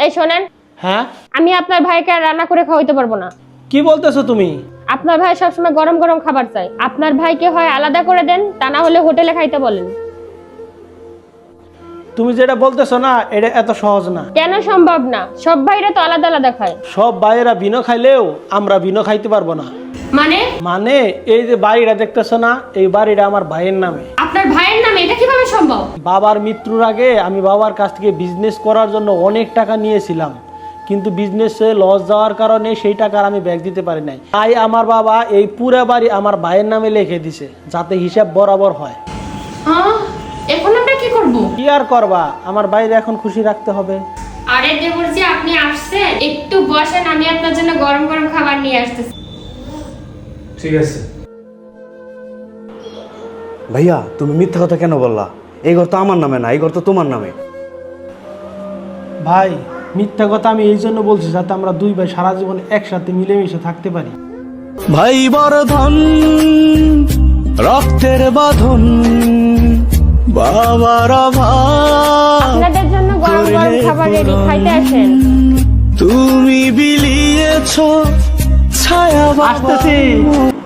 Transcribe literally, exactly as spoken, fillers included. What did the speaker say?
এই শোনেন। হ্যাঁ, আমি আপনার ভাইকে আর রান্না করে খাওয়াইতে পারবো না। কি বলতেছো তুমি? আপনার ভাই সবসময় গরম গরম খাবার চাই। আপনার ভাইকে হয় আলাদা করে দেন, তা না হলে হোটেলে খাইতে বলেন। তুমি যেটা বলতেছো না, এটা এত সহজ না। কেন সম্ভব না? সব ভাইরা তো আলাদা আলাদা খায়। সব ভাইয়েরা বিনো খাইলেও আমরা বিনো খাইতে পারবো না। মানে মানে এই যে বাড়িটা দেখতেছো না, এই বাড়িটা আমার ভাইয়ের নামে। আপনার ভাইয়ের নামে? এটা কিভাবে সম্ভব? বাবার মৃত্যুর আগে আমি বাবার কাছ থেকে বিজনেস করার জন্য অনেক টাকা নিয়েছিলাম, কিন্তু বিজনেসে লস যাওয়ার কারণে সেই টাকা আমি ব্যাক দিতে পারি নাই। তাই আমার বাবা এই পুরো বাড়ি আমার ভাইয়ের নামে লিখে দিছে, যাতে হিসাব বরাবর হয়। হ্যাঁ, এখন আমরা কি করব? কি আর করবা, আমার বাইরে এখন খুশি রাখতে হবে। আরে দেবরজি, আপনি আসছেন, একটু বসেন, আমি আপনার জন্য গরম গরম খাবার নিয়ে আসতেছি। ঠিক আছে। ভাইয়া, তুমি মিথ্যা কথা কেন বললা? এই ঘর তো আমার নামে না, এই ঘর তো তোমার নামে। ভাই, মিথ্যা কথা আমি এই জন্য বলছি যাতে আমরা দুই ভাই সারা জীবন একসাথে মিলেমিশে থাকতে পারি। ভাই বর্ধন, রক্তের বাঁধন, বাবার অভাব আপনাদের জন্য গরম গরম খাবার রেডি, খাইতে আসেন। তুমি বিলিয়েছ ছায়া বাবা। আসতেছি।